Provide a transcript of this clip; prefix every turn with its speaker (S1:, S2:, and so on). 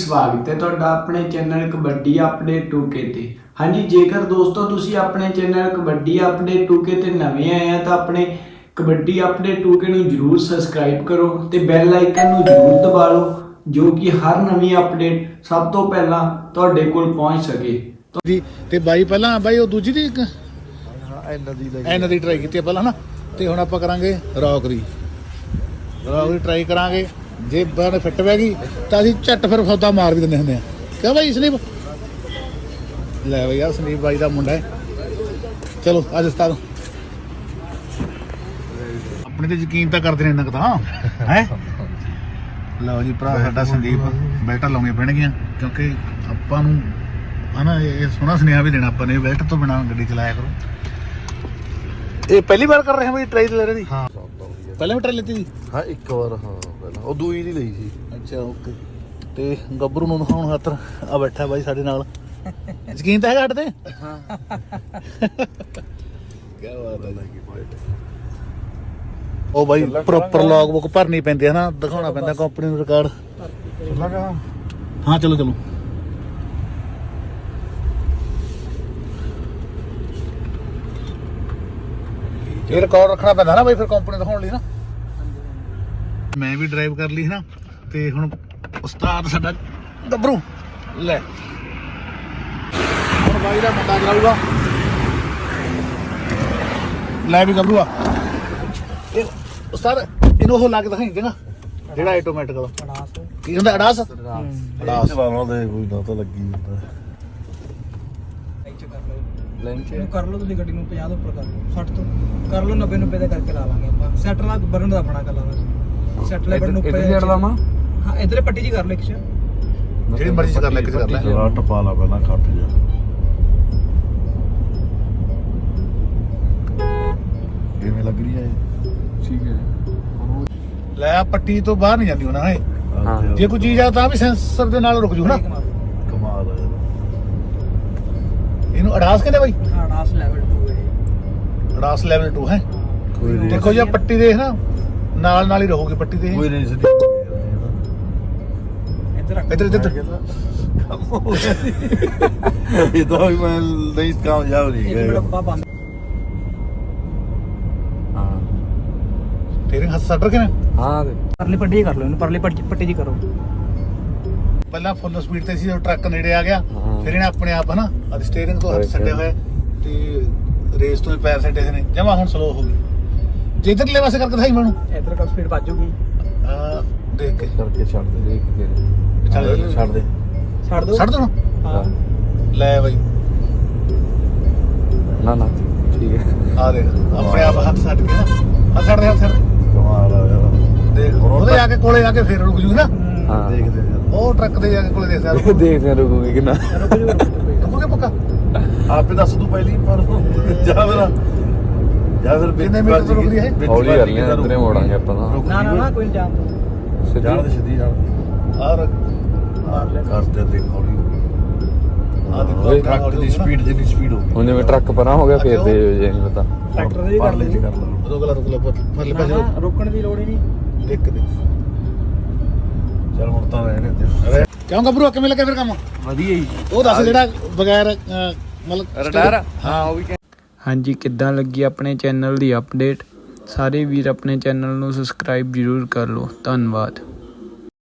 S1: ਸਵਾਗਤ ਹੈ ਤੁਹਾਡਾ ਆਪਣੇ ਚੈਨਲ ਕਬੱਡੀ ਅਪਡੇਟ 2K ਤੇ। ਹਾਂਜੀ, ਜੇਕਰ ਦੋਸਤੋ ਤੁਸੀਂ ਆਪਣੇ ਚੈਨਲ ਕਬੱਡੀ ਅਪਡੇਟ 2K ਤੇ ਨਵੇਂ ਆਏ ਆ ਤਾਂ ਆਪਣੇ ਕਬੱਡੀ ਅਪਡੇਟ 2K ਨੂੰ ਜਰੂਰ ਸਬਸਕ੍ਰਾਈਬ ਕਰੋ ਤੇ ਬੈਲ ਆਈਕਨ ਨੂੰ ਜਰੂਰ ਦਬਾ ਲਓ ਜੋ ਕਿ ਹਰ ਨਵੀਂ ਅਪਡੇਟ ਸਭ ਤੋਂ ਪਹਿਲਾਂ ਤੁਹਾਡੇ ਕੋਲ ਪਹੁੰਚ ਸਕੇ।
S2: ਤੇ ਬਾਈ ਪਹਿਲਾਂ ਬਾਈ ਉਹ ਦੂਜੀ ਦੀ ਇਹਨਾਂ ਦੀ ਟਰਾਈ ਕੀਤੀ ਪਹਿਲਾਂ ਨਾ, ਤੇ ਹੁਣ ਆਪਾਂ ਕਰਾਂਗੇ ਰੌਕ ਦੀ ਟਰਾਈ ਕਰਾਂਗੇ। ਜੇ ਬਾਹਰ ਫਿੱਟ ਪੈ ਗਈ ਤਾਂ ਅਸੀਂ ਝੱਟ ਫਿਰ ਸੌਦਾ ਮਾਰ ਵੀ ਦਿੰਦੇ ਹੁੰਦੇ ਆ। ਕਿਉਂ ਬਾਈ ਸੰਦੀਪ? ਲੈ ਬਈ ਯਾਰ ਸੰਦੀਪ ਬਾਈ ਦਾ ਮੁੰਡਾ ਹੈ। ਚਲੋ ਅੱਜ ਉਸਤਾਦ ਆਪਣੇ ਤੇ ਯਕੀਨ ਤਾਂ ਕਰਦੇ ਨੇ ਇੰਨਾ ਕੁ ਤਾਂ ਹੈ। ਲਓ ਜੀ ਭਰਾ ਸਾਡਾ ਸੰਦੀਪ ਬੈਲਟਾਂ ਲਾਉਣੀਆਂ ਪੈਣਗੀਆਂ ਕਿਉਂਕਿ ਆਪਾਂ ਨੂੰ ਹਨਾ ਇਹ ਸੋਹਣਾ ਸੁਨੇਹਾ ਵੀ ਦੇਣਾ ਆਪਾਂ ਨੇ, ਬੈਲਟ ਤੋਂ ਬਿਨਾਂ ਗੱਡੀ ਚਲਾਇਆ ਕਰੋ। ਇਹ ਪਹਿਲੀ ਵਾਰ ਕਰ ਰਹੇ ਹਾਂ ਬਈ ਟਰਾਈ ਲੈ ਰਹੇ ਦੀ? ਹਾਂ ਪਹਿਲਾਂ ਵੀ ਟਰਾਈ ਲੈਤੀ ਸੀ?
S3: ਹਾਂ ਇੱਕ ਵਾਰ, ਹਾਂ ਪਹਿਲਾਂ ਉਹ ਦੂਈ ਦੀ ਲਈ ਸੀ।
S2: ਅੱਛਾ ਓਕੇ। ਤੇ ਗੱਭਰੂ ਨੂੰ ਦਿਖਾਉਣ ਖਾਤਰ ਆ ਬੈਠਾ ਬਾਈ ਸਾਡੇ ਨਾਲ। ਯਕੀਨ ਤਾਂ ਹੈਗਾ ਸਾਡੇ ਤੇ? ਹਾਂ ਕੀ ਬਾਤ ਹੈ। ਉਹ ਬਾਈ ਪ੍ਰੋਪਰ ਲੌਗ ਬੁੱਕ ਭਰਨੀ ਪੈਂਦੀ ਹੈ ਨਾ, ਦਿਖਾਉਣਾ ਪੈਂਦਾ ਕੰਪਨੀ ਨੂੰ ਰਿਕਾਰਡ। ਹਾਂ ਚਲੋ ਚਲੋ। ਇਹ ਰਿਕਾਰਡ ਰੱਖਣਾ ਪੈਂਦਾ ਨਾ ਬਾਈ ਫਿਰ ਕੰਪਨੀ ਦਿਖਾਉਣ ਲਈ ਨਾ। ਮੈਂ ਵੀ ਡਰਾਈਵ ਕਰ ਲਈ ਨਾ, ਤੇ ਹੁਣ ਉਸਤਾਦ ਸਾਡਾ ਗੱਭਰੂ ਲੈ ਹੁਣ ਬਾਈ ਦਾ ਮੁੰਡਾ ਚਲਾਊਗਾ। ਲੈ ਵੀ ਗੱਭਰੂ ਆ ਇਹ ਉਸਤਾਦ ਇਹਨੂੰ ਉਹ ਲਾ ਕੇ ਦਿਖਾਈ ਚੰਗਾ ਜਿਹੜਾ ਆਟੋਮੈਟਿਕ ਵਾਲਾ ਕੀ ਹੁੰਦਾ? ਅਡਾਸ
S3: ਚਲਾਉਣਾ ਦੇ ਕੋਈ ਨਾ ਤਾਂ ਲੱਗੀ ਹੁੰਦਾ।
S4: ਇਹਨੂੰ ਕਰ ਲਓ ਤੁਸੀਂ ਗੱਡੀ ਨੂੰ 50 ਤੋਂ ਉੱਪਰ ਕਰ ਲਓ, 60 ਤੋਂ ਕਰ ਲਓ, 90 ਦਾ ਕਰਕੇ ਲਾ ਲਾਂਗੇ ਆਪਾਂ। ਸੈਟ ਲਾ ਬਰਨ ਦਾ ਆਪਣਾ ਕਰ ਲਾਂਗੇ। ਸੈਟ ਲੈ ਬਰਨ ਉੱਪਰ ਇੱਧਰ ਲਾਵਾਂ। ਹਾਂ ਇੱਧਰ ਪੱਟੀ ਜੀ ਕਰ ਲੈ, ਇੱਕ
S2: ਜਿਹੜੀ ਮਰਜ਼ੀ ਚ ਕਰ ਲੈ, ਇੱਕ ਚ ਕਰ ਲੈ।
S3: ਜਰਾ ਟਪਾ ਲਾ ਪਹਿਲਾਂ ਖੱਟ ਜਾ। ਕਿਵੇਂ ਲੱਗ ਰਹੀ ਹੈ? ਠੀਕ ਹੈ।
S2: ਲੈ ਪੱਟੀ ਤੋਂ ਬਾਹਰ ਨਹੀਂ ਜਾਂਦੀ ਹੁਣ ਇਹ। ਜੇ ਕੋਈ ਚੀਜ਼ ਆ ਤਾਂ ਵੀ ਸੈਂਸਰ ਦੇ ਨਾਲ ਰੁਕ ਜੂ ਨਾ।
S3: ਕਮਾਲ ਹੈ।
S2: ਇਹਨੂੰ ਅਡਾਸ ਕਹਿੰਦੇ ਬਾਈ?
S4: ਹਾਂ ਅਡਾਸ ਲੈਵਲ 2 ਹੈ।
S2: ਅਡਾਸ ਲੈਵਲ 2 ਹੈ।
S3: ਕੋਈ ਨਹੀਂ,
S2: ਦੇਖੋ ਜੀ ਪੱਟੀ ਦੇਖ ਨਾ ਨਾਲ ਹੀ ਰਹੂਗੀ ਪੱਟੀ ਤੇ।
S3: ਕੋਈ ਨਹੀਂ ਸਿੱਧੀ
S2: ਇੱਧਰ ਇੱਧਰ
S3: ਇਹ ਤਾਂ ਵੀ ਮੈਂ ਨਹੀਂ ਕਾਮਯਾਬ ਨਹੀਂ
S4: ਇਹ ਡੱਬਾ ਬੰਦ।
S3: ਹਾਂ
S2: ਤੇਰੇ ਹੱਥ ਸੱਟ ਰੱਖੇ ਨੇ?
S4: ਹਾਂ ਪਰਲੀ ਪੱਟੀ ਜੀ ਕਰ ਲਓ, ਇਹਨੂੰ ਪਰਲੀ ਪੱਟੀ ਜੀ ਕਰੋ।
S2: ਪਹਿਲਾਂ ਫੁੱਲ ਸਪੀਡ ਤੇ ਸੀ, ਟਰੱਕ ਨੇੜੇ ਆ ਗਿਆ, ਫਿਰ ਇਹਨੇ ਆਪਣੇ ਆਪ ਹਨਾ ਅੱਜ ਸਟੀਅਰਿੰਗ ਤੋਂ ਹੱਥ ਛੱਡੇ ਹੋਏ ਤੇ ਰੇਸ ਤੋਂ ਹੀ ਪੈਰ ਛੱਡੇ ਨੇ ਜਮਾ। ਹੁਣ ਸਲੋ ਹੋ ਗਈ। ਜੇ ਇੱਧਰਲੇ ਪਾਸੇ ਕਰਕੇ ਦਿਖਾਈ ਮੈਨੂੰ।
S4: ਇੱਧਰ ਕਾ ਸਪੀਡ ਵੱਜੂਗੀ।
S2: ਦੇਖ ਕੇ
S3: ਕਰਕੇ ਛੱਡ ਦੇ। ਦੇਖ ਕੇ
S2: ਛੱਡ ਦੇ
S3: ਛੱਡ ਦੇ
S2: ਛੱਡ ਦੋ।
S4: ਹਾਂ
S2: ਲੈ ਬਾਈ
S3: ਨਾ ਨਾ ਠੀਕ ਹੈ।
S2: ਆ ਦੇਖ ਆਪਣੇ ਆਪ ਹੱਥ ਛੱਡ ਕੇ ਨਾ, ਹੱਥ ਛੱਡ ਦੇ, ਹੱਥ ਛੱਡ।
S3: ਕਮਾਲ ਆ ਯਾਰ।
S2: ਦੇਖ ਉਹਦੇ ਜਾ ਕੇ ਕੋਲੇ ਜਾ ਕੇ ਫੇਰ ਰੁਕ ਜੂ ਨਾ।
S3: ਹਾਂ ਦੇਖਦੇ
S2: ਉਹ ਟਰੱਕ ਤੇ ਜਾ ਕੇ ਕੋਲੇ ਦੇਖਦਾ
S3: ਦੇਖਦੇ ਰੁਕੂਗੇ ਕਿੰਨਾ
S2: ਰੁਕੂਗੇ ਪੱਕਾ।
S3: ਆਪੇ ਦੱਸ ਤੂੰ ਪਹਿਲੀ ਪਰ ਜਾਂ ਫਿਰ
S2: ਕਿੰਨੇ ਮੀਟਰ ਤੋਂ ਰੁਕਦੀ ਹੈ?
S3: ਹੌਲੀ ਕਰਨੀ ਹੈ, ਇਧਰੇ ਮੋੜਾਂਗੇ ਆਪਾਂ ਤਾਂ।
S4: ਨਾ ਕੋਈ ਜਾਮ ਤੋਂ
S3: ਜਾਣ ਦੇ ਸਿੱਧੀ ਜਾਣ।
S2: ਔਰ
S3: ਕਰਦੇ ਦੇਖ ਹੌਲੀ
S2: ਆ ਦੇਖੋ
S3: ਟਰੱਕ ਦੀ ਸਪੀਡ ਜਿੰਨੀ ਸਪੀਡ ਹੋ ਗਈ।
S5: ਹੁਣ ਜਿਵੇਂ ਟਰੱਕ ਪਰਾਂ ਹੋ ਗਿਆ ਫੇਰ ਦੇ ਜੇ ਨਹੀਂ ਪਤਾ।
S4: ਟਰੈਕਟਰ ਦੇ ਵੀ ਕਰ
S3: ਪਰਲੇ ਚ
S4: ਲਓ।
S3: ਕਰ ਲਾ।
S2: ਰੁਕ ਲਾ ਪਰਲੇ ਪਾਸੇ ਰੁਕ।
S4: ਰੋਕਣ ਦੀ ਲੋੜ ਹੀ ਨਹੀਂ।
S2: ਦੇਖ ਕੇ ਦੇਖ।
S3: ਚੱਲ ਹੁਣ ਤਾਂ ਰਹਿਣੇ ਤੇ
S2: ਕਿਉਂ ਗੱਭਰੂ ਕਿਵੇਂ ਲੱਗਾ ਫਿਰ ਕੰਮ?
S5: ਵਧੀਆ ਜੀ।
S2: ਉਹ ਦੱਸ ਜਿਹੜਾ ਬਗੈਰ ਮਤਲਬ
S5: ਰਡਾਰ। ਹਾਂ ਉਹ ਵੀ।
S1: ਹਾਂਜੀ, ਕਿੱਦਾਂ ਲੱਗੀ ਆਪਣੇ ਚੈਨਲ ਦੀ ਅਪਡੇਟ? ਸਾਰੇ ਵੀਰ ਆਪਣੇ ਚੈਨਲ ਨੂੰ ਸਬਸਕ੍ਰਾਈਬ ਜ਼ਰੂਰ ਕਰ ਲਓ। ਧੰਨਵਾਦ।